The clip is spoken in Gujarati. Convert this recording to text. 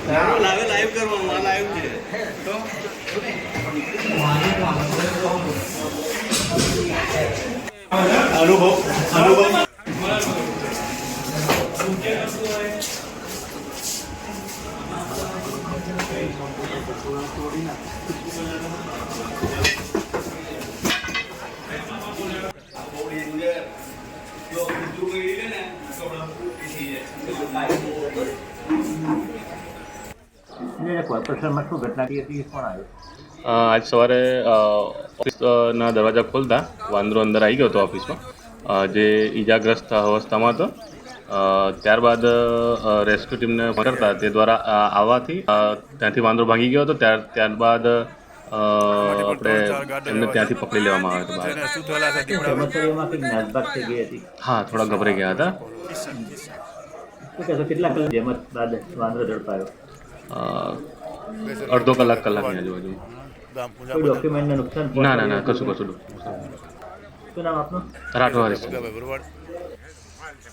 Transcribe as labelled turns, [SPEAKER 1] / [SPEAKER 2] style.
[SPEAKER 1] લાઈવ કરવાનું આ લાઈવ છે તો અનુભવ
[SPEAKER 2] કોર્પોરેશનમાં શું ઘટના થઈ હતી કોણ આવ્યું?
[SPEAKER 3] આજ સવારે ઓફિસના દરવાજા ખોલતા વાંદરો અંદર આવી ગયો હતો ઓફિસમાં, જે ઈજાગ્રસ્ત અવસ્થામાં હતો. ત્યારબાદ રેસ્ક્યુ ટીમને કરતા તે દ્વારા આવવાથી ત્યાંથી વાંદરો ભાગી ગયો હતો. ત્યારબાદ આપણે એમને ત્યાંથી પકડી લેવામાં આવ્યો હતો બહાર.
[SPEAKER 2] કર્મચારીઓમાં કંઈક નાસભાગ થઈ ગઈ હતી.
[SPEAKER 3] હા, થોડા ગભરાઈ ગયા હતા.
[SPEAKER 2] શું કહેશો, કેટલા કલાક જેમત બાદ વાંદરો ઝડપાયો?
[SPEAKER 3] અડધો કલાકની આજુબાજુ.
[SPEAKER 2] કોઈ ડોક્યુમેન્ટને નુકસાન?
[SPEAKER 3] ના, કશું.
[SPEAKER 2] શું નામ આપનું?
[SPEAKER 3] રાઠવા હરીશ.